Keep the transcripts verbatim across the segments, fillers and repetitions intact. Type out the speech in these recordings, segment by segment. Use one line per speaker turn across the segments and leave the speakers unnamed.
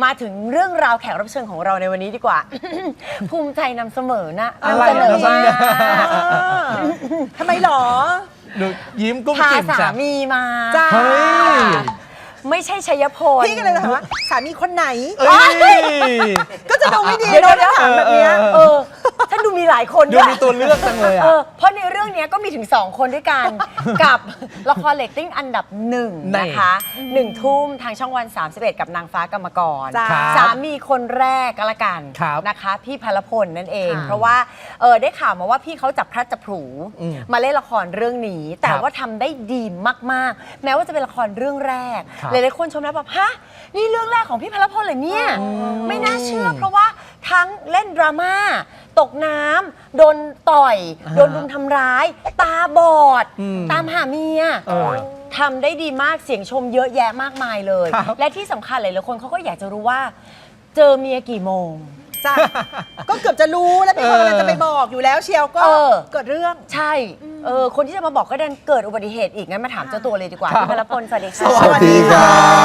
มาถึงเรื่องราวแขกรับเชิญของเราในวันนี้ดีกว่า ภูมิใจนำเสมอนะ
อะไร
นำเสนอ
นะ
มา
ทำไมหรอ
ดูยิ้มกุ้ม
พา
กิ่ม
สา
จ้ะ
มีมา
จ้า
เฮ้ย
ไม่ใช่ชัยพล
พี่ก็เลยถามว่าสามีคนไหน
เอ้ย
ก็จะดูไม่ดี
เดี๋ยว
โดน
เดี๋ยว
ถามแบบเนี้ย
เออท่านดูมีหลายคน
ดู
ด้วย
มีตัวเลือกจังเลย
เอ
อ่ะ
อเพราะในเรื่องนี้ก็มีถึงสองคนด้วยกัน กับละครเรตติ้งอันดับหนึ่ง
นี่
นะคะหนึ่งทุ่มทางช่องวัน สามสิบเอ็ด กับนางฟ้ากรรมกร
จ้า
สามีคนแรกก็แล้วกัน
ครับ
นะคะ พี่พลพลนั่นเอง
ค่ะ
เพราะว่าเออได้ข่าวมาว่าพี่เขาจับพลัดจับผลู
อืม
มาเล่นละครเรื่องนี้ แต่
ครับ
ว่าทำได้ดีมากๆ แม้ว่าจะเป็นละครเรื่องแรก
ครับ
หลายๆคนชมแล้วแบบฮะนี่เรื่องแรกของพี่พลพลเลยเนี่ยไม่น่าเชื่อ เพราะว่าทั้งเล่นดราม่าตกน้ำโดนต่อย
อ่า
โดนรุมทำร้าย ตาบอด
อืม
ตามหาเมีย
เออ
ทำได้ดีมากเสียงชมเยอะแยะมากมายเลย
ครับ
และที่สำคัญหลายๆคนเขาก็อยากจะรู้ว่า เจอเมียกี่โมง
จ้าก็เกือบจะรู้แล้วพี่คนกำลังจะไปบอกอยู่แล้วเชียวก็
เออ
เกิดเรื่อง
ใช่เออคนที่จะมาบอกก็ดันเกิดอุบัติเหตุอีกงั้นมาถามเจ้าตัวเลยดีกว่า
ครับ
พี่พลพลสวัสดีค่ะ
สวัสดีครับ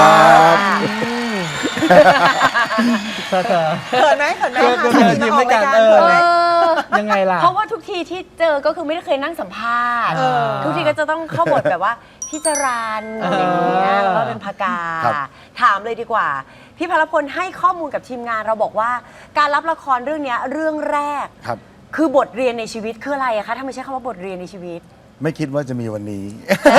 เธอเธอ
เขินไหมเขินไหม
เออ
คะ
เออ
สามีมาออกรายการ
เออ
เขินไหม
ยังไงล่ะ
เพราะว่าทุกทีที่เจอก็คือไม่ได้เคยนั่งสัมภาษณ์
เออ
ทุกทีก็จะต้องเข้าบทแบบว่าพี่จรันอะไรอย่างเงี้ย
เออ
แล้วก็เป็นพกา
ครับ
ถามเลยดีกว่า พี่พลพลให้ข้อมูลกับทีมงานเราบอกว่า การรับละครเรื่องเนี้ยเรื่องแรก
ครับ
คือบทเรียนในชีวิตคืออะไรอะคะถ้าไม่ใช่คำว่าบทเรียนในชีวิต
ไม่คิดว่าจะมีวันนี้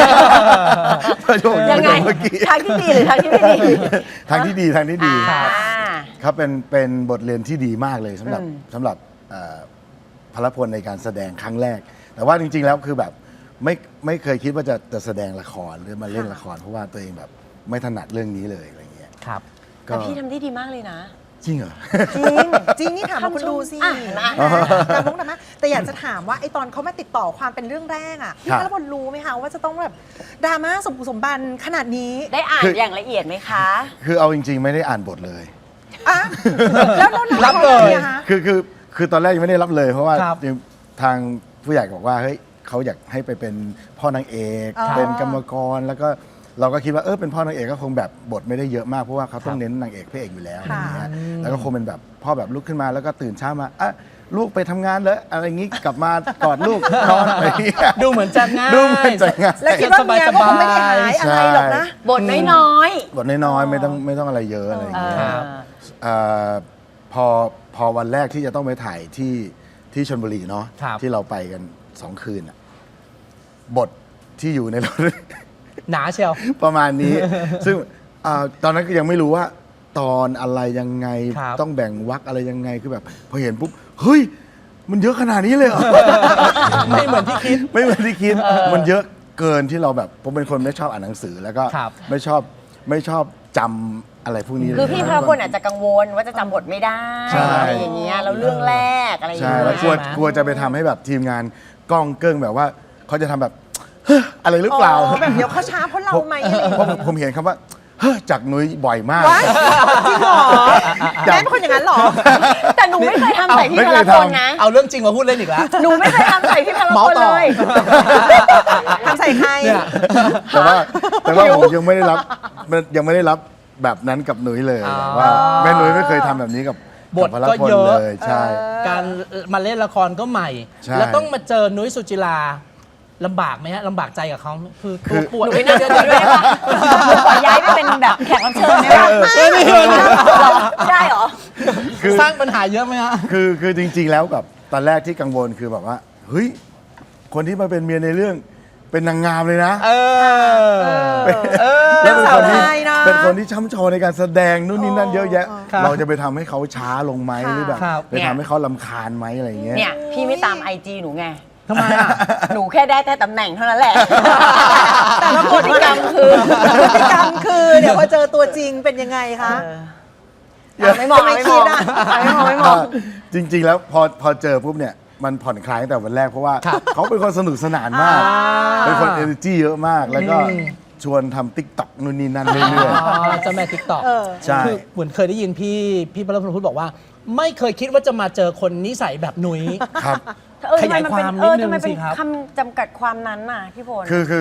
ยังไง
เมื่อกี้
ทางที่ดีหรือทางที่ไม่ดี
ทางที่ดีทางที่ดี
อ่า
ครับเป็นเป็นบทเรียนที่ดีมากเลยสำหรับ
อืม
สำหรับเอ่อพลพลในการแสดงครั้งแรก แต่ว่าจริง ๆ แล้วคือแบบไม่ไม่เคยคิดว่าจะจะแสดงละครหรือมาเล่นละคร เพราะว่าตัวเองแบบไม่ถนัดเรื่องนี้เลยอะไรเงี้ย
ครับ
ก็
แต่พี่ทำได้ดีมากเลยนะ
จริงเหรอ
จริง จริงนี่ถามมาคุณดูสิ
อ่ะเห็นไหม
แต่มุกนะมะแต่อยากจะถามว่าไอตอนเขามาติดต่อความเป็นเรื่องแรกอ่ะพี่
ครับ
พลพลรู้ไหมคะว่าจะต้องแบบดราม่าสมบุกสมบันขนาดนี้
ได้อ่าน
คือ
อ
อ
ย่างละเอียดไหมคะ
คือเอาจริง ๆ ไม่ได้อ่านบทเลย
อ่ะแล้วเรา
รับเลย
อะคะ
คือคือคือตอนแรกยังไม่ได้รับเลย เพราะว่า
ครับ
ทางผู้ใหญ่บอกว่าเฮ้ยเขาอยากให้ไปเป็นพ่อนางเอก
อ๋อ
เป็นกรรมกรแล้วก็เราก็คิดว่าเออเป็นพ่อนางเอกก็คงแบบบทไม่ได้เยอะมากเพราะว่าเขาต้องเน้นนางเอกพระเอกอยู่แล้วอะไรอย่างเงี้ยแล้วก็คงเป็นแบบพ่อแบบลุกขึ้นมาแล้วก็ตื่นเช้ามาอ่ะลูกไปทำงานเลยอะไรอย่างงี้กลับมากอดลูกนอนอะไรอย่างเงี้ย
ดูเหมือนจะง่าย
ดูเหมือนจะง่าย
แล้วคิดว่าเมียก็คงไม่ได้หายอะไรหรอกนะ
บทน้อย
บทน้อยๆไม่ต้องไม่ต้องอะไรเยอะอะไรอ
ๆ
ย่าง
เอ
เงี้ย
ครับ
อ
เอ่อพอพอวันแรกที่จะต้องไปถ่ายที่ที่ชลบุรีเนาะ
ครับ
ที่เราไปกันสองคืนอะบทที่อยู่ในรถ
หนาเชียว
ประมาณนี้ ซึ่งอ่าตอนนั้นก็ยังไม่รู้ว่า ตอนอะไรยังไง
ครับ
ต้องแบ่งวรรคอะไรยังไงคือแบบ พอเห็นปุ๊บเฮ้ย มันเยอะขนาดนี้เลยเหรอ
ไม่เหมือนที่คิด
ไม่เหมือนที่คิด มันเยอะเกินที่เราแบบผมเป็นคนไม่ชอบอ่านหนังสือ แล้วก็
ครับ
ไม่ชอบไม่ชอบจำอะไรพวกนี้เลย
คือพี่พลพลอาจจะกังวลว่าจะจำบทไม่ได้
ใช่
อะไรอย่างเงี้ยแล้วเรื่องแรกอะไรอย่าง
ใช่
เงี้ย
แล้วกลัว
ใช่ไหม
กลัวจะไปทำให้แบบทีมงานกล้องเกิ้งแบบว่าเขาจะทำแบบ เฮ้ออะไรหรือเปล่า
อ๋อแบบเดี๋ยวเขาช้าเพราะเราไหมอะไรอย่าง
เพราะ
เงี้ย
ผมเห็นคำว่าเฮ้อจากนุ้ยบ่อยมาก
ว้ายจริงเหรอแม่เป็นคนอย่างนั้นเหรอ
แต่หนูไม่เคยทำใส่พี่
ไม่
พ
เค
ล
ย
พล
ทำ
นะ
เอาเรื่องจริงมาพูดเล่นอีกแล้ว
หนูไม่เคยทำใส่พี่พล
เมา
พล
ต่อ
เลย
ทำใส่ใคร
เนี่ย
แต่ว่าแต่ว่าผมยังไม่ได้รับมันยังไม่ได้รับแบบนั้นกับนุ้ยเลย
อ๋อ
ว่าแม่นุ้ยไม่เคยทำแบบนี้กับบ
ท
พล
ก็
พล
เยอะ
เลยใช่
การมาเล่นละครก็ใหม่
ใช่
แล้วต้องมาเจอนุ้ยสุจิราลำบากไหมฮะลำบากใจกับเขาคือ
คื
ตัว
อ
ปวด
หนูไม่น่าจะด้วยได้ปะหนูขอย้ายไปเป็นแบบแขกรับเชิญได้ปะ
เออนี่เลยนะ
ได้เหรอ
คือ
สร้างปัญหาเยอะไหมฮะ
คือคือจริง ๆ แล้วแบบตอนแรกที่กังวลคือแบบว่าเฮ้ยคนที่มาเป็นเมียในเรื่องเป็นนางงามเลยนะ
เออ เออ
แล้วเป็นคนที่
สาวไทยนะ
เป็นคนที่ช่ำชองในการแสดงนู่นนี่นั่นเยอะแยะ
ครับ
เราจะไปทำให้เขาช้าลงไหม
ค่ะ
หรือแบบ
ครับ
ไปทำให้เขาลำคาญไหมอะไรอย่างเงี้ย
เนี่ยพี่ไม่ตามไอจีหนูไง
ทำไมอ่ะ
หนูแค่ได้แต่ตำแหน่งเท่านั้นแหละ
แต่ละ
พฤติกรรมคือ
พฤติกรรมคือเดี๋ยวพอเจอตัวจริงเป็นยังไงคะ
อ่ะไม่มอง
ไม่
ไม่
คิ
มอ
ด
ง
อะ
ไม่มองไม่มอง
จริง ๆ แล้วพอพอเจอปุ๊บเนี่ยมันผ่อนคลายตั้งแต่วันแรกเพราะว่า
ครับ
เขาเป็นคนสนุกสนานมาก เป็นคนเอเนอร์จีเยอะมาก แล้วก็
อืม
ชวนทำติ๊กต็อกนู่นนี่นั่นเรื่อย
อ๋อเจ้าแม่ทิกตอก
เออ
ใช่
คือเหมือนเคยได้ยินพี่พี่พลพลพูดบอกว่า ไม่เคยคิดว่าจะมาเจอคนนิสัยแบบนุ้ย
ๆ ครับ
เออทำไมมันเป็น
ขยายความ
เออ
นิดนึง
ทำไมเป็น
สิครับ
คำจำกัดความนั้นน่ะพี่พล
คือคือ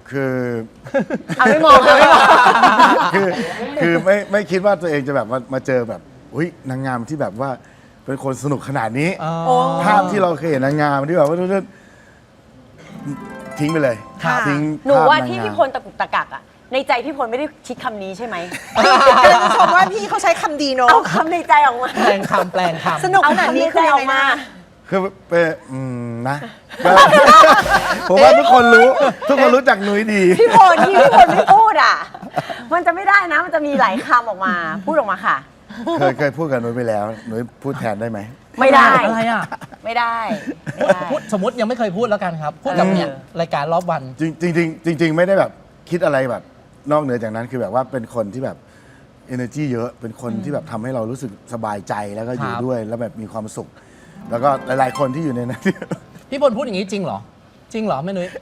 คือ
เอาไม่มองเอาไม่มอง
คือคือไม่ไม่คิดว่าตัวเองจะแบบมามาเจอแบบอุ้ยนางงามที่แบบว่าเป็นคนสนุกขนาดนี้
อ๋อ
โอ้
ภาพที่เราเคยเห็นนางงามที่แบบว่าทิ้งไปเลย
ครับ
ทิ้ง
หนู
ภพ
ว่าน ที่
งงม
พี่พลตะกุกตะกักอะในใจพี่พลไม่ได้คิดคำนี้ใช่ไหม
กำลังจะชมว่าพี่เขาใช้คำดีเนาะ
เอาคำในใจออกมา
แปลงคำแปลงคำ
สนุก
เอา
ขนาด
คำใน
นี้
ใจ
คือยั
อง อก
ไง
มา
นะ
คือเป็นอืมนะก็ ผมว่าทุกคนรู้ ทุกคนรู้จักนุ้ยดี
พี่พลที่พี่พลไม่พูดอะมันจะไม่ได้นะ มันจะมีหลายคำออกมา พูดออกมาค่ะ
เคยเคยพูดกับนุ้ยไปแล้วนุ้ยพูดแทนได้ไหม
ไม่ได้
อะไรอ่ะ
ไม่ได้ไม่
พูด
ได้
พูดสมมติยังไม่เคยพูดแล้วกันครับ พูดกับเนี่ย
เออ
รายการรอบวัน
จริงจริงจริงจริง ๆ ไม่ได้แบบคิดอะไรแบบนอกเหนือจากนั้นคือแบบว่าเป็นคนที่แบบ energy เยอะเป็นคนที่แบบทำให้เรารู้สึกสบายใจแล้วก็อยู่
ครับ
ด้วยแล้วแบบมีความสุข แล้วก็หลาย ๆ คนที่อยู่ในนั้น
พี่พลพูดอย่างนี้จริงเหรอ จริงเหรอแม่นุ้ย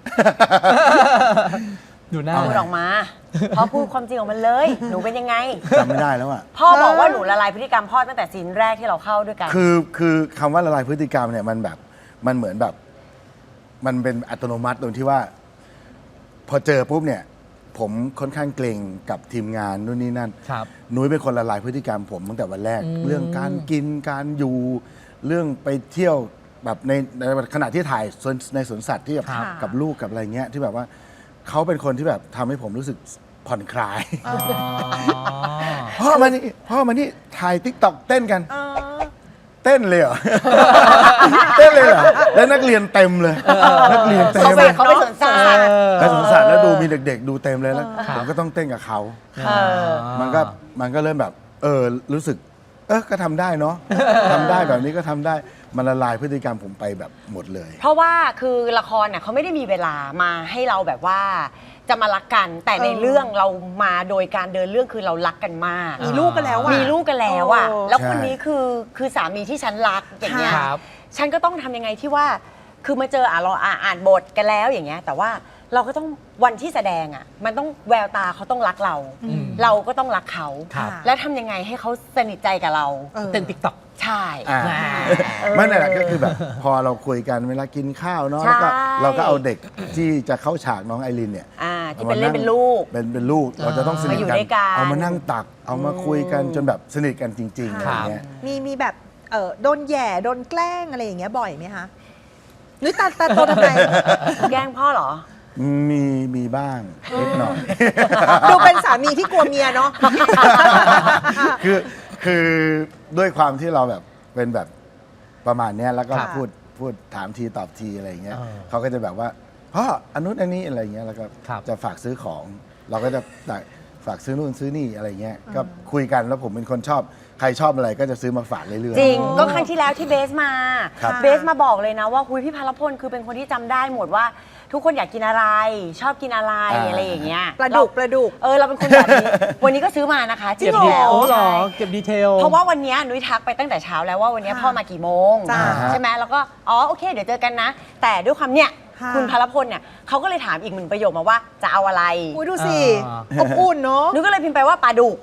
ดูหน้า
พูดออกมาพอพูดความจริงออกมาเลย หนูเป็นยังไง
จำไม่ได้แล้วอ่ะ
พ่อบอกว่าหนูละลายพฤติกรรมพ่อตั้งแต่ซีนแรกที่เราเข้าด้วยกัน
คือคือคำว่าละลายพฤติกรรมเนี่ยมันแบบมันเหมือนแบบ มันเป็นอัตโนมัติตรงที่ว่า พอเจอปุ๊บเนี่ย ผมค่อนข้างเกรงกับทีมงานนู่นนี่นั่น
ครับ
นุ้ยเป็นคนละลายพฤติกรรมผมตั้งแต่วันแรก
อืม
เรื่องการกินการอยู่เรื่องไปเที่ยวแบบในในขณะที่ถ่ายสวนในสวนสัตว์ที่กับ
ครับ
กับลูกกับอะไรเงี้ยที่แบบว่าเขาเป็นคนที่แบบทำให้ผมรู้สึกผ่อนคลาย
อ๋อ
พ่อมานี่พ่อมานี่ถ่ายติ๊กต็อกเต้นกัน
เออ
เต้นเลยเหรอ เต้นเลยเหรอ แล้วนักเรียนเต็มเลย นักเรียนเต็ม
เขาไป
เลย
เขาไปสวนสัตว์
ไปสวนสัตว์แล้วดูมีเด็ก ๆ ดูเต็มเลยแล้ว
ครับ
ผมก็ต้องเต้นกับเขา
เออ
มันก็มันก็เริ่มแบบ เออรู้สึก เออก็ทำได้เนาะทำได้แบบนี้ก็ทำได้มันละลายพฤติกรรมผมไปแบบหมดเลย
เพราะว่าคือละครเนี่ยเขาไม่ได้มีเวลามาให้เราแบบว่าจะมารักกัน แต่ใน
เออ
เรื่องเรามาโดยการเดินเรื่องคือเรารักกันมาก
มีลูกกันแล้วอ่ะ
มีลูกกันแล้วอ่ะ
โอ้
แล้วคนนี้คือคือสามีที่ฉันรักอย่างเงี้ย
ครับ
ฉันก็ต้องทำยังไงที่ว่า คือมาเจออ่ะเราอ่ะอ่านบทกันแล้วอย่างเงี้ย แต่ว่าเราก็ต้องวันที่แสดงอ่ะ มันต้องแววตาเขาต้องรักเรา
อืม
เราก็ต้องรักเขา
ครับ
แล้วทำยังไงให้เขาสนิทใจกับเรา
เออ
เต้นติ๊กต็อก
ใช่
อ่า
เออ
ไม่นั่นแหละก็คือแบบ พอเราคุยกันเวลากินข้าวเนาะแล้วก็
ใช่
เราก็เอาเด็กที่จะเข้าฉากน้องไอรินเนี่ย
อ่าที่เป็นเล่นเป็นลูก
เป็นเป็นลูกเราจะต้องสนิท
มาอยู่
กัน
ด้วยกัน
เอามานั่งตัก เอามาคุยกันจนแบบสนิทกันจริงๆอะไร
ครับ
เงี้ย
มีมีแบบเออโดนแหย่โดนแกล้งอะไรอย่างเงี้ยบ่อยไหมคะนุ้ยตาตาโตทำไม
แกล้งพ่อเหรอ
มีมีบ้างนิดหน่อย
ดูเป็นสามีที่กลัวเมียเนาะ
คือคือด้วยความที่เราแบบเป็นแบบประมาณเนี้ยแล้วก็
ค่ะ
พูดพูดถามทีตอบทีอะไรอย่างเงี้ย
เออ
เขาก็จะแบบว่าพ่ออันนู้นอันนี้อะไรเงี้ยแล้วก็
ครับ
จะฝากซื้อของ เราก็จะฝากซื้อนู่นซื้อนี่อะไรเงี้ยก็คุยกันแล้วผมเป็นคนชอบใครชอบอะไรก็จะซื้อมาฝากเรื่อยๆ
จริง ก็ครั้งที่แล้วที่เบสมา
ครับ
เบสมาบอกเลยนะว่าคุยพี่พลพลคือเป็นคนที่จำได้หมดว่า ทุกคนอยากกินอะไร ชอบกินอะไร
อ่า
อะไรอย่างเงี้ย
ปลาดุก
เร
ปลาดุก
เออเราเป็นคนแบบนี้ วันนี้ก็ซื้อมานะคะจริ
เก็บ
ง
ดี
แล้ว
โอ้เหรอ
ใช่
เก็บดีเทล
เพราะว่าวันเนี้ยนุ้ยทักไปตั้งแต่เช้าแล้วว่าวันเนี้ย
ค่ะ
พ่อมากี่โมง
จ้า
ใช่ไหมแล้วก็อ๋อโอเคเดี๋ยวเจอกันนะ แต่ด้วยความเนี้ย
ค่ะ
คุณพลพลเนี่ยเขาก็เลยถามอีกหนึ่งประโยคมาว่าจะเอาอะไร
อุ้ยดูสิ
อ่า
อบอุ่นเนาะ
นุ้ยก็เลยพิมพ์ไปว่าปลาดุก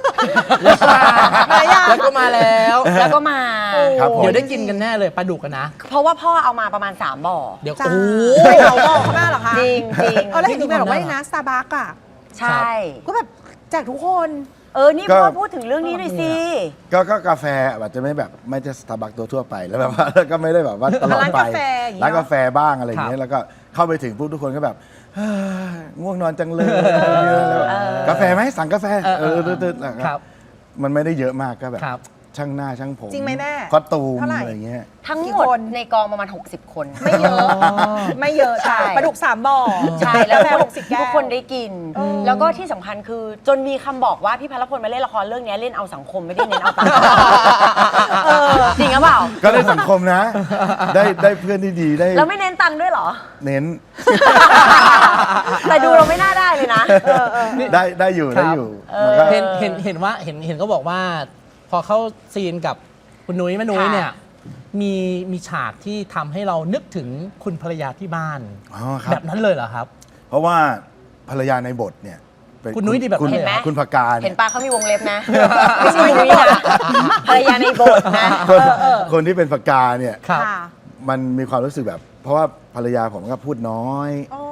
มายัง
แล้วก็มาแล้ว
แล้วก็มา
ครับผม
เดี๋ยวได้กินกันแน่เลยปลาดุกกันนะ
เพราะว่าพ่อเอามาประมาณสามบ่อ
เดี๋ยว
จ้า
โอ้
ไปเขาบอกเขามาเหรอคะ
จริงจริง
เออแล้วเห็นที่แม่บอกว่านี่นะสตาร์บัคอะ
ใช่
ก็แบบแจกทุกคน
เออ นี่
ก็
พ่อพูดถึงเรื่องนี้หน่อยสิ
ก็ก็กาแฟอาจจะไม่แบบไม่ใช่สตาร์บัคตัวทั่วไปแล้วแบบว่า แล้วก็ไม่ได้แบบว่าตลอดไป
ร้านกาแฟอย่างเงี้ย
ร้านกาแฟบ้างอะไรอย่างเงี้ยแล้วก็เข้าไปถึงปุ๊บทุกคนก็แบบเฮ้ยง่วงนอนจังเลยแล้วแบบกาแฟไหมสั่งกาแฟ
เออ
เอ
เอ
อ
อเออ
ตืดๆแล้วก็
ครับ
มันไม่ได้เยอะมากก็แบบ
ครับ
ช่างหน้าช่างผม
จริงไหมแม่
คอสตูม
เท่าไหร่
อะไรเงี้ย
ทั้ง
กี่
หมด
คน
ในกองประมาณ หกสิบ คน
ไม่เยอะ ไม่เยอะ
ใช่
ใช่ปลาดุกสามบ่อ
ใช่ แล้ว
กาแฟ
ทุ
ห
ก
กสิบแก้ว
ทุกคนได้กิน
เออ
แล้วก็ที่สำคัญคือจนมีคำบอกว่าพี่พลพลมาเล่นละครเรื่องนี้เล่นเอาสังคมไม่ได้เน้นเอาตังค์เออจริงหรือเปล่า
ก็ได้สังคมนะ ได้ได้เพื่อนที่ดีได้
แล้วไม่เน้นตังค์ด้วยเหรอ
เน้น
แต่ดูเราไม่น่าได้เลยนะ
ได้ได้อยู่
ครับ
ได้อยู่มันก็
เห็นเห็นเห็นว่าเห็นเห็นก็บอกว่า พอเข้าซีนกับคุณนุ้ยแม่นุ้ย
ค่ะ
เนี่ยมีมีฉากที่ทำให้เรานึกถึงคุณภรรยาที่บ้าน
อ๋อครั
แบบ บนั้นเลยเหรอครับ
เพราะว่าภรรยาในบทเนี่ยเป็
คุณนุ้ยดีแบบ
คุณ
นั้นเลยเหรอ
คุณพกา
เห็
เนี่
น
ย
ปลาเขามีวงเล็บนะ ไม่ใช่นุ้ยนะภรรยาในบทนะ
คนคนที่เป็นพกาเนี่ย
ครับ
ค่ะ
มันมีความรู้สึกแบบ เพราะว่าภรรยาผมก็พูดน้อย
อ๋อ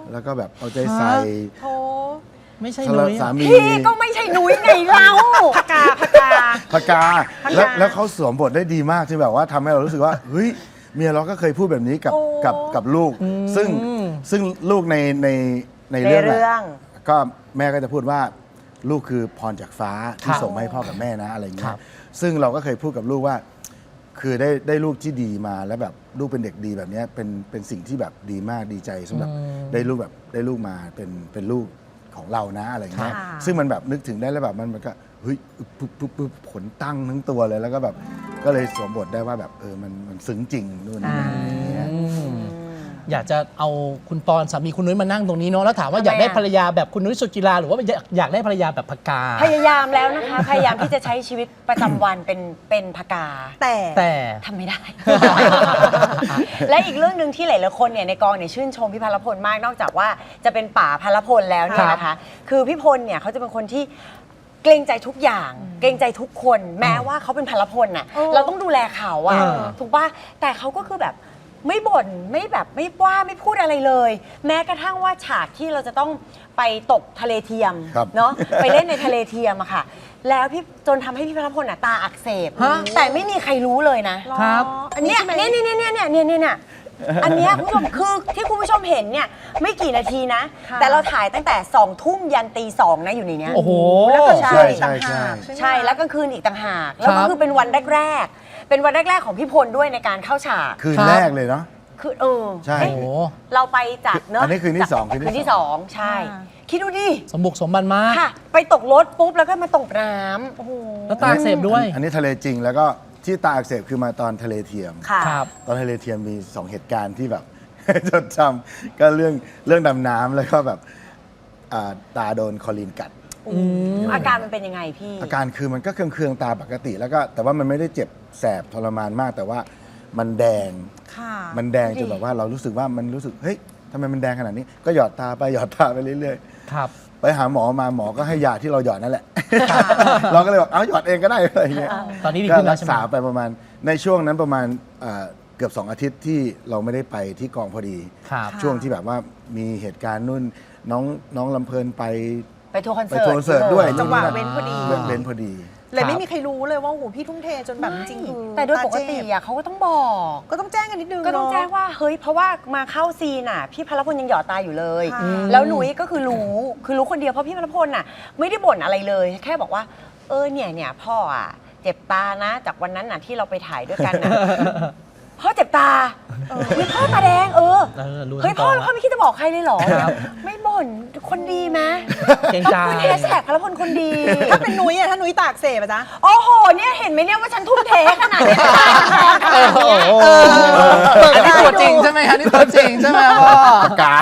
แล้วก็แบบเอาใจใส่
โธ่
ไม่ใช่
สำห
นุ้
รับ
ย
สา
อะ
มี
พี่ก็ไม่ใช่นุ้ยไงเรา
พกาพกา
พกาแล้วแล้วเขาสวมบทได้ดีมากที่แบบว่าทำให้เรารู้สึกว่าเฮ้ยเมียเราก็เคยพูดแบบนี้กับ
โอ้
กับกับลูก ซึ่ง
อืม
ซึ่งลูกในในใน
ใน
เรื่อง
เรื่อ
อะ
ง
ก็แม่ก็จะพูดว่าลูกคือพรจากฟ้าที่
ครับ
ส่งมาให้พ่อกับแม่นะอะไรเงี้
ครั
ย
บ
ซึ่งเราก็เคยพูดกับลูกว่า คือได้ได้ลูกที่ดีมาแล้วแบบลูกเป็นเด็กดีแบบเนี้ยเป็นเป็นสิ่งที่แบบดีมากดีใจสำหรับได้ลูกแบบได้ลูกมาเป็นเป็นลูกของเรานะอะไรเงี้ย
ค่ะ
ซึ่งมันแบบนึกถึงได้แล้วแบบมันมันก็เฮ้ยปุ๊บปุ๊บปุ๊บขนตั้งทั้งตัวเลยแล้วก็แบบก็เลยสวมบทได้ว่าแบบเออมันมันซึ้งจริงนู่นนี่นั่นอะไรเงี้ย
อยากจะเอาคุณปอนสามีคุณนุ้ยมานั่งตรงนี้เนาะแล้วถามว่า
ทำไม
อยากได้
อะ
ภรรยาแบบคุณนุ้ยสุจิราหรือว่าอยากอยากได้ภรรยาแบบพกา
พยายามแล้วนะคะ พยายามที่จะใช้ชีวิตประจำวันเป็นเป็นพกา
แต่
แต่
ทำไม่ได้ และอีกเรื่องหนึ่งที่หลายๆคนเนี่ยในกองเนี่ยชื่นชมพี่พลพลมากนอกจากว่าจะเป็นป๋าพลพลแล้วเนี่ยนะคะ คือพี่พลเนี่ยเขาจะเป็นคนที่เกรงใจทุกอย่าง เกรงใจทุกคน แม้ว่าเขาเป็นพลพลน่ะ
เออ
เราต้องดูแลเขาอะ
เออ
ถูกป่ะแต่เขาก็คือแบบไม่บ่นไม่แบบไม่ว่าไม่พูดอะไรเลย แม้กระทั่งว่าฉากที่เราจะต้องไปตกทะเลเทียม
ครับ
เนาะไปเล่นในทะเลเทียมอะค่ะ แล้วพี่จนทำให้พี่พลพลน่ะตาอักเสบ
ฮะ
แต่ไม่มีใครรู้เลยนะ
ครับ
อันนี้
เนี่ย
ใช่ไหม
เนี่ยเนี่ยเนี่ยเนี่ยเนี่ยเนี่ยเนี่ยอันเนี้ยคุณผู้ชมคือที่คุณผู้ชมเห็นเนี่ยไม่กี่นาทีนะ
ค่ะ
แต่เราถ่ายตั้งแต่สองทุ่มยันตีสองนะอยู่ในเนี้ย
โอ้โห
แล้วก็
ใช่
ใช่
ใช่
ต่าง
ใช่
หากใช่ไหม
ใช่แล้วกลางคืนอีกต่างหากแล้ว
ค
ก็
รับ
คือเป็นวันแรกๆเป็นวันแรกๆของพี่พลด้วยในการเข้าฉาก
คืน
ครับ
แรกเลยเนาะ
คือเออ
ใช่
เอ๊ะ
โอ้โห
เราไปจากเนอะ
อันนี้คืนที่สองคื
คื
น
น
ที่
ที่
ส
ส
อ
อง งใช่
อ่า
คิดดูดิ
สมบุกสมบันมาก
ค่ะ ไปตกรถปุ๊บแล้วก็มาตกน้ำ
โอ้โห
แล้วตาอักเสบด้วย
อันนี้ทะเลจริงแล้วก็ที่ตาอักเสบคือมาตอนทะเลเทียม
ค่ะ
ครับ
ตอนทะเลเทียมมีสองเหตุการณ์ที่แบบ จดจำก็เรื่องเรื่องดำน้ำแล้วก็แบบอ่าตาโดนคอลีนกัด
อาการมันเป็นยังไงพี่
อาการคือมันก็เคืองๆตาปกติแล้วก็แต่ว่ามันไม่ได้เจ็บแสบทรมานมาก แต่ว่ามันแดง
ค่ะ
มันแดงจนแบบว่าเรารู้สึกว่ามันรู้สึกเฮ้ยทำไมมันแดงขนาดนี้ ก็หยอดตาไปหยอดตาไปเรื่อย
ครับ
ๆ ไปหาหมอมาหมอก็ให้ยาที่เราหยอดนั่นแหละ เราก็เลยบอกเอาหยอดเองก็ได้อะไรอย่างเงี้ย
ตอนนี้ดี
ก็
ขึ้นแล้
รั
ว
ก
ใช่ไหม
ษาไปประมาณในช่วงนั้นประมาณเอ่อเกือบสองอาทิตย์ที่เราไม่ได้ไปที่กองพอดี
ครับ
ช่วงที่แบบว่ามีเหตุการณ์นู่นน้องน้องลำเพลินไป
ไปทัวร์คอน
ไป
เสิร์ต
ทัวร์คอนเสิร์ตด้วย
จังหวะ
นู่น
เว้นพอดี
เรื่องเว้นพอดี
เลยไม่มีใครรู้เลยว่าโอ้โหพี่ทุ่มเทจนแบบจริงๆคือ
แต่โดยปกติ
าเจ็บ
อ่ะเขาก็ต้องบอก
ก็ต้องแจ้งกันนิดนึง
ก็ต้อง
เนะ
แจ้งว่าเฮ้ยเพราะว่ามาเข้าซีนอ่ะ พี่พลพลยังหยอดตาอยู่เลย
ค่ะ
แล้วหนุ้ยก็คือรู้คือรู้คนเดียวเพราะพี่พลพลน่ะ ไม่ได้บ่นอะไรเลย แค่บอกว่า เออเนี่ยเนี่ยพ่ออ่ะเจ็บตานะ จากวันนั้นน่ะที่เราไปถ่ายด้วยกันน่ะ พ่อเจ็บตาเฮ้ยพ่อตาแดงเออ
เออรู้
เฮ้ย
ทั้ง
พ่อก
อง
พ่อไม่คิดจะบอกใครเลยเหรอ
ครับ
ไม่บ่นคนดีไหม
เกรง
ข
ใจ
อบคุณแฮชแท็กพลพลคนดี
ถ้าเป็นนุ้ยอะถ้านุ้ยตากเสบอะจ๊ะ
โอ้โหเนี่ยเห็นไหมเนี่ยว่าฉันทุ่มเทขนาดนี้
เออโอ้โหอันนี้ตัวจริงใช่ไหมคะนี่ตัวจริงใช่ไหมพ่อ
กา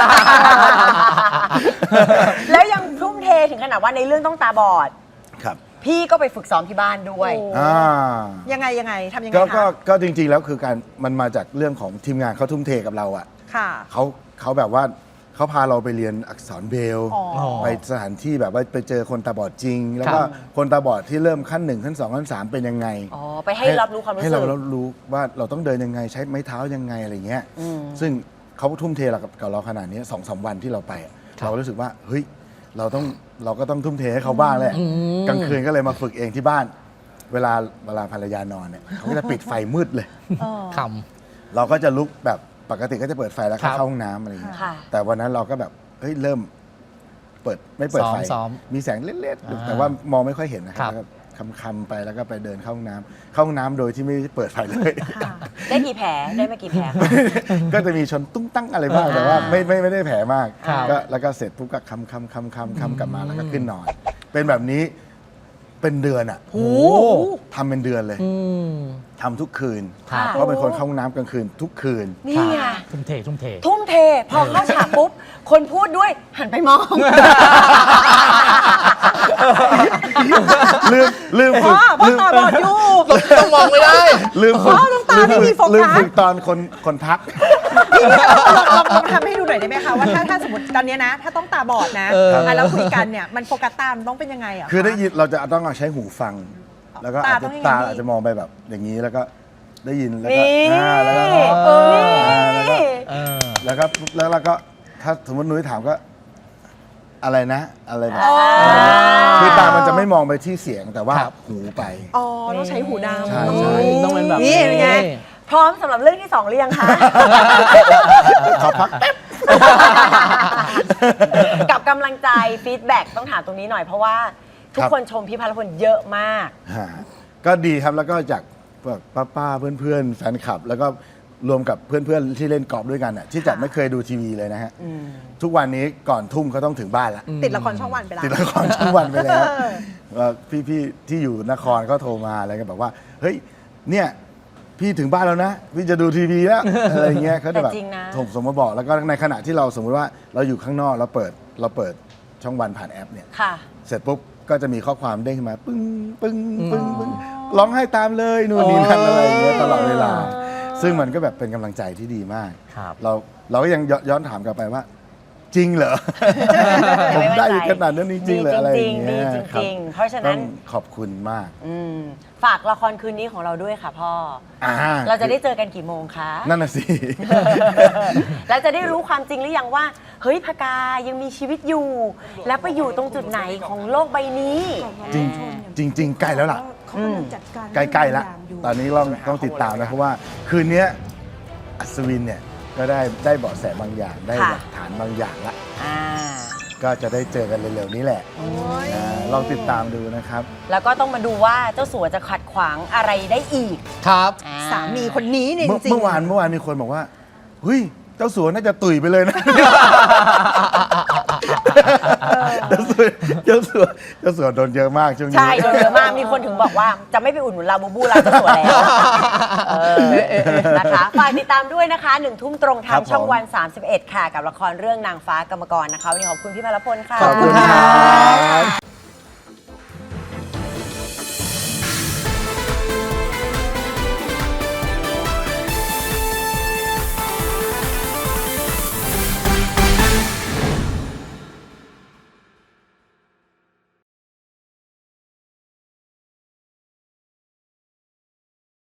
แล้วยังทุ่มเทถึงขนาดว่าในเรื่องต้องตาบอด
ครับ
พี่ก็ไปฝึกซ้อมที่บ้านด้วย
โอ้
อ่า
ยังไงยังไงทำยังไง
ก็ก็
คะ
ก็จริงๆแล้วคือการมันมาจากเรื่องของทีมงานเขาทุ่มเทกับเราอ่ะ
ค่ะ
เขาเขาแบบว่าเขาพาเราไปเรียนอักษรเบรลล์
อ๋อ
ไปสถานที่แบบว่าไปเจอคนตาบอดจริง แล้วก็
ครับ
คนตาบอดที่เริ่มขั้นหนึ่งขั้นสองขั้นสามเป็นยังไง
อ๋อ ไปให้รับรู้ความรู้
ให้
สึ
เรา
ก
รับรู้ว่าเราต้องเดินยังไงใช้ไม้เท้ายังไงอะไรเงี้ย
อืม
ซึ่งเขาทุ่มเทเรากับกับเราขนาดนี้สองสามวันที่เราไปอะ
ครับ
เราก็รู้สึกว่าเฮ้ยเราต้องเราก็ต้องทุ่มเทให้เขาบ้างแหละ
อืม
กลางคืนก็เลยมาฝึกเองที่บ้าน เวลาเวลาภรรยานอนเนี่ยเขาก็จะปิดไฟมืดเลย
เออ
ค
เราก็จะลุกแบบปกติก็จะเปิดไฟแล้ว
ครั
เข้า
บ
ห้องน้ำอะไรอย่างเงี้ย
ค่ะ
แต่วันนั้นเราก็แบบเฮ้ยเริ่มเปิดไม่เปิดไฟ
ซ้อมซ้อม
มีแสงเล็ด
อ่า
ๆแต่ว่ามองไม่ค่อยเห็นนะค
ครั
รับบ แล้วก็คำๆไปแล้วก็ไปเดินเข้าห้องน้ำเข้าห้องน้ำโดยที่ไม่ได้เปิดไฟเลย
ค่ะ
ได้กี่แผล ได้มากี่แผลคะ
ก็จะมีชนตุ้งตั้งอะไรบ้าง
อ่า
แต่ว่าไม่ไม่ไม่ได้แผลมาก
ครับ
ก็แล้วก็เสร็จปุ๊บก็คำคำคำคำคำกลับมาแล้วก็ขึ้นนอน เป็นแบบนี้เป็นเดือนอ่ะ
โอ้โห
ทำเป็นเดือนเลย
อืม
ทำทุกคืน
ครับ
เพราะเป็นคนเข้าห้องน้ำกลางคืนทุกคืน
นี่ไง
ทุ่มเททุ่มเท
ทุ่มเท พอเข้าฉากปุ๊บ คนพูดด้วยหันไปมอง
ลืมลืมฝึ
พ่
ก
อพ่อ
ลืม
ตาบอดอยู่
ต้องมองไม่ได้
ลืมฝึก
พ่อต้องตาไม่มีโฟกัส
ลืมฝึกตอนคนคนทัก
พี่ลองลองลองทำให้ดูหน่อยได้ไหมคะว่าถ้าถ้าสมมติตอนเนี้ยนะ ถ้าต้องตาบอดนะ
เออ
อ่ะแล้วคุยกันเนี่ยมันโฟกัสตามนต้องเป็นยังไงอ่ะ
คือได้ยินเราจะต้องเอาใช้หูฟัง แล้วก็
ตา
อาจ
ต้
จะ
องยังไง
ตา
พี่
อาจจะมองไปแบบอย่างนี้แล้วก็ได้ยินแล้วก็
นี่
อ่าแล้วก็
เออ
อ่าแล้วก็
เออ
แล้วก็แล้วเราก็ถ้าสมมตินุ้ยถามก็อะไรนะ อะไรแบบ
อ๋อ
คือตามันจะไม่มองไปที่เสียงแต่ว่า
ครับ
หูไป
อ๋อต้องใช้หูดำ
ใช่ใช่
ต้องเป็นแบบ
นี่เป็นไง
พร้อมสำหรับเรื่องที่สองหรือยังคะ
ขอพักแป๊บ
กับกำลังใจฟีดแบ็กต้องถามตรงนี้หน่อยเพราะว่าทุก
ครับ
คนชมพี่พัลพลเยอะมาก
ฮะก็ดีครับแล้วก็จากพวกป้าๆเพื่อนๆแฟนคลับ แล้วก็รวมกับเพื่อนๆที่เล่นกอล์ฟด้วยกันน่ะที่จะไม่เคยดูทีวีเลยนะฮะ ทุกวันนี้ก่อนทุ่มเขาต้องถึงบ้านละ
ติดละครช่องวันไปแล้ว
ติดละครช่องวันไปแล้วว่าพี่ๆที่อยู่นครก็โทรมาอะไรกันแบบว่า เฮ้ยเนี่ยพี่ถึงบ้านแล้วนะ พี่จะดูทีวีแล้ว อะไรเงี้ยเขาจะแบบ
แต่จริงนะ
ส่งส่งมาบอกแล้วก็ในขณะที่เราสมมุติว่าเราอยู่ข้างนอกเราเปิดเราเปิดช่องวันผ่านแอปเนี่ย
ค่ะ
เสร็จปุ๊บก็จะมีข้อความเด้งขึ้นมา ปึ้งปึ้งปึ้งปึ้งร้องไห้ตามเลยนู่นนี่นั่นอะไรอย่างเงี้ยตลอดเวลา ซึ่งมันก็แบบเป็นกำลังใจที่ดีมาก
ครับ
เราเราก็ยังย้อนย้อนถามกลับไปว่า จริงเหรอ ผมได้ขนาดนั้นจริงๆเหรออะไรอย่างเงี้ย
ดีจริงๆ
คบ
ดีจริงๆเพราะฉะนั้น
ต้องขอบคุณมาก
อืมฝากละครคืนนี้ของเราด้วยค่ะพ่อ
อ่า
เราจะได้เจอกันกี่โมงคะ
นั่นน่ะสิ
แล้วจะได้รู้ความจริงหรือยังว่า เฮ้ยพกายังมีชีวิตอยู่ แล้วไปอยู่ตรงจุดไหนของโลกใบนี้
จริงจริงจริง ๆ ใกล้แล้วล่ะ
เขากำลังจัดการ
ใกล้ๆแล้ว
เรื่องบางอย่างอยู่
ตอนนี้เราต้องติดตามนะเพราะว่าคืนนี้อัศวินเนี่ยก็ได้ได้เบาะแสบางอย่าง ได้
ค่ะ
หลักฐานบางอย่างละ
อ่า
ก็จะได้เจอกันเร็วๆนี้แหละอ่าลองติดตามดูนะครับ
แล้วก็ต้องมาดูว่าเจ้าสัวจะขัดขวางอะไรได้อีก
ครับ
อ่
สามีคนนี้เนี่ยจ
เมื่อ
ริงๆ
เมื่อวานเมื่อวานมีคนบอกว่าเฮ้ยเจ้าสัวน่าจะตุยไปเลยนะ เจ้าสัวเจ้าสัวเจ้าสัวโดนเยอะมากช่วงนี้
ใช่โดนเยอะมากมีคนถึงบอกว่าจะไม่ไปอุดหนุนลาบูบูลาเจ้าสัวแล้วเออนะคะฝากติดตามด้วยนะคะหนึ่งทุ่มตรงทางช่องวัน สามสิบเอ็ด ค่ะ กับละครเรื่องนางฟ้ากรรมกรนะคะวันนี้ขอบคุณพี่พลพลค่ะ
ขอบคุณครับ